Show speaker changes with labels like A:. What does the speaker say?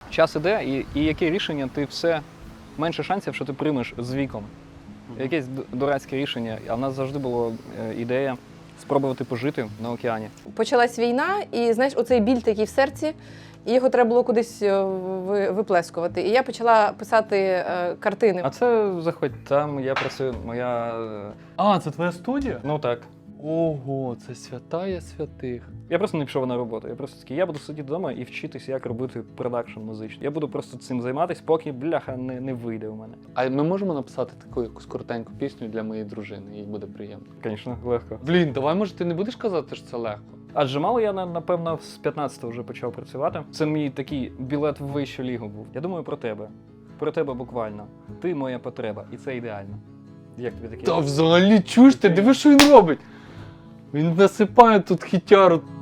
A: час іде, і яке рішення ти все менше шансів, що ти приймеш з віком. Якесь дурацьке рішення, а в нас завжди була ідея спробувати пожити на океані.
B: Почалась війна, і знаєш, оцей біль такий в серці, і його треба було кудись виплескувати. І я почала писати картини.
A: А це заходь, там я працюю, моя...
C: А, це твоя студія?
A: Ну так.
C: Ого, це святая святих.
A: Я просто не пішов на роботу. Я просто такий, я буду сидіти вдома і вчитись, як робити продакшн музичний. Я буду просто цим займатися, поки, бляха, не вийде у мене.
C: А ми можемо написати таку якусь коротеньку пісню для моєї дружини, їй буде приємно.
A: Звісно, легко.
C: Блін, давай, може, ти не будеш казати, що це легко?
A: Адже мало я, напевно, з 15-го вже почав працювати. Це мій такий білет в вищу лігу був. Я думаю про тебе. Про тебе буквально. Ти моя потреба, і це ідеально. Як тобі таке?
C: Та взагалі чуєш ти, диви, що він робить? Він насипає тут хітяру